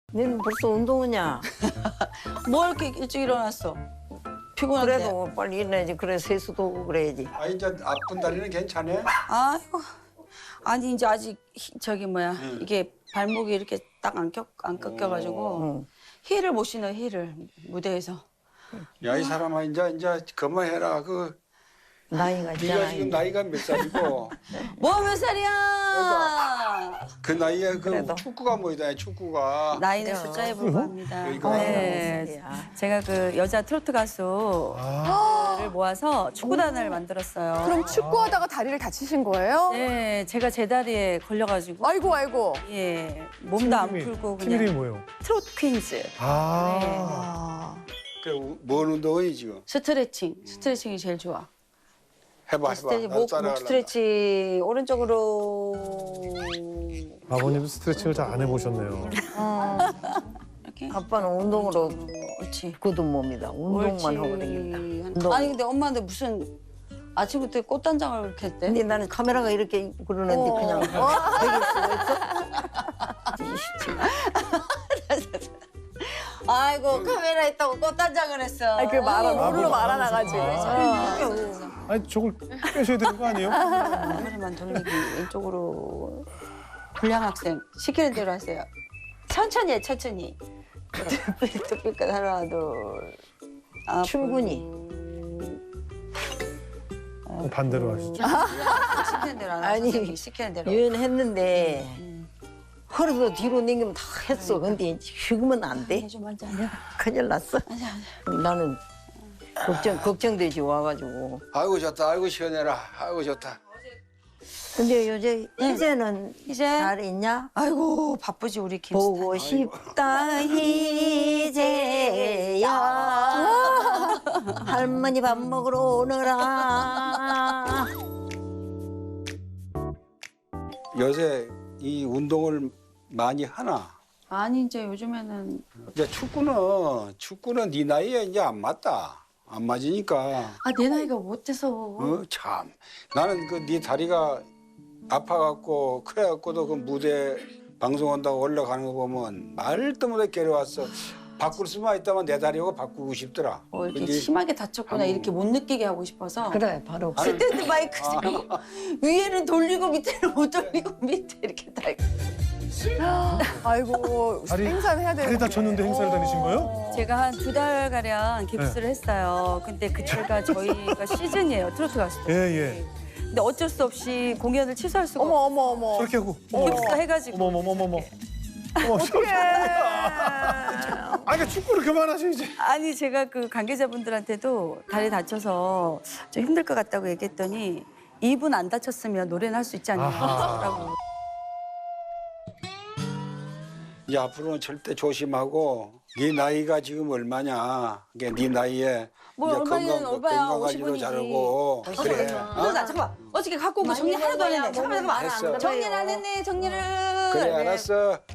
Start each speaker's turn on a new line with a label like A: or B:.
A: 너는 벌써 운동하냐?
B: 뭐 이렇게 일찍 일어났어? 피곤한데.
A: 그래도 빨리 일어나야지. 그래 세수도 오고 그래야지.
C: 아 이제 아픈 다리는 괜찮아?
B: 아이고. 아니 이제 아직 저기 뭐야 이게 발목이 이렇게 딱 안 꺾여가지고
A: 응.
B: 힐을 못 신어 힐을 무대에서.
C: 야 이 사람아 이제 그만해라. 그
A: 나이가
C: 네가
A: 있잖아.
C: 지금 나이가 몇 살이고
B: 뭐 몇 살이야?
C: 그 나이에 그
A: 그래도.
C: 축구가 뭐이다 축구가.
B: 나이는 숫자에 불과합니다.
C: 이거.
B: 네, 제가 그 여자 트로트 가수를 모아서 축구단을 만들었어요.
D: 그럼 축구하다가 다리를 다치신 거예요?
B: 네, 제가 제 다리에 걸려가지고
D: 아이고 아이고.
B: 예 몸도 안
E: 팀
B: 풀고
E: 이름이
B: 그냥
E: 뭐예요?
B: 트로트 퀸즈.
E: 아.
D: 아.
C: 그뭔 운동이 지금?
B: 스트레칭이 제일 좋아.
C: 해봐.
A: 스트레치,
C: 나
A: 목
C: 따라가려고.
A: 스트레치 오른쪽으로.
E: 아버님도 스트레칭을 잘 안 해보셨네요.
B: 이렇게.
A: 아빠는 운동으로
B: 옳지.
A: 굳은 몸이다. 운동만
B: 옳지.
A: 하고 다닌다. 운동.
B: 아니 근데 엄마한테 무슨 아침부터 꽃단장을 이렇게 했대?
A: 근데 나는 카메라가 이렇게 있고 그러는데 그냥 되게 수가 있어?
B: 아이고 카메라 있다고 꽃단장을 했어.
D: 아니 그 모르로 말아놔가지고.
E: 아니 저걸 빼셔야 되는 거 아니에요?
B: 머리만 돌리기 왼쪽으로. 불량 학생 시키는 대로 하세요. 천천히 해 천천히. 뚝뚝 하나 둘.
A: 충분히.
E: 반대로 하시죠.
B: 시키는 대로 안
A: 아니,
B: 하고 시키는 대로.
A: 유연했는데 허리도 뒤로 당기면 다 했어. 근데 지금은 안 돼.
B: 좀 앉아. 앉아.
A: 큰일 났어. 나는 걱정되지 와가지고.
C: 아이고 좋다. 아이고 시원해라. 아이고 좋다.
A: 근데 이제는
B: 이제
A: 잘 있냐?
B: 아이고 바쁘지 우리 김
A: 보고 싶다 이제야 할머니 밥 먹으러 오너라.
C: 요새 이 운동을 많이 하나?
B: 아니 이제 요즘에는
C: 이제 축구는 네 나이에 이제 안 맞다. 안 맞으니까.
B: 내 나이가 못돼서.
C: 참. 나는 그 네 다리가 아파갖고 그래갖고도 그 무대 방송한다고 올라가는 거 보면 말도 못해 괴로웠어. 바꿀 수만 있다면 내 다리하고 바꾸고 싶더라.
B: 이렇게
C: 근데
B: 심하게 다쳤구나 이렇게 못 느끼게 하고 싶어서.
A: 그래 바로.
B: 스탠드 마이크 세고 위에는 돌리고 밑에는 못 돌리고 밑에 이렇게 다.
D: 아이고
E: 다리-
D: 행사를 해야 되는.
E: 다리 다쳤는데 행사를 다니신 거예요?
B: 제가 한 2달 가량 깁스를 했어요. 근데 그때가 저희가 시즌이에요 트로트 가수들.
E: 예.
B: 근데 어쩔 수 없이 공연을 취소할 수가
D: 어머 어머 어머.
E: 저렇게 하고.
B: 깁스 해가지고.
E: 어머.
D: 어떡해.
E: 아, 그러니까 축구를 그만하셔 이제.
B: 아니 제가 그 관계자분들한테도 다리 다쳐서 좀 힘들 것 같다고 얘기했더니 이분 안 다쳤으면 노래는 할 수 있지 않냐고.
C: 이제 앞으로는 절대 조심하고 네 나이가 지금 얼마냐? 그게 네 나이에
B: 뭘
C: 이제
B: 얼마냐는 오빠야,
C: 건강 관리도
B: 50이지.
C: 잘하고 그래.
B: 잠깐만 어저께 갖고 온 거 정리 하나도 안 했네. 잠깐만
C: 했어.
B: 정리를 안 했네 정리를.
C: 그래 알았어.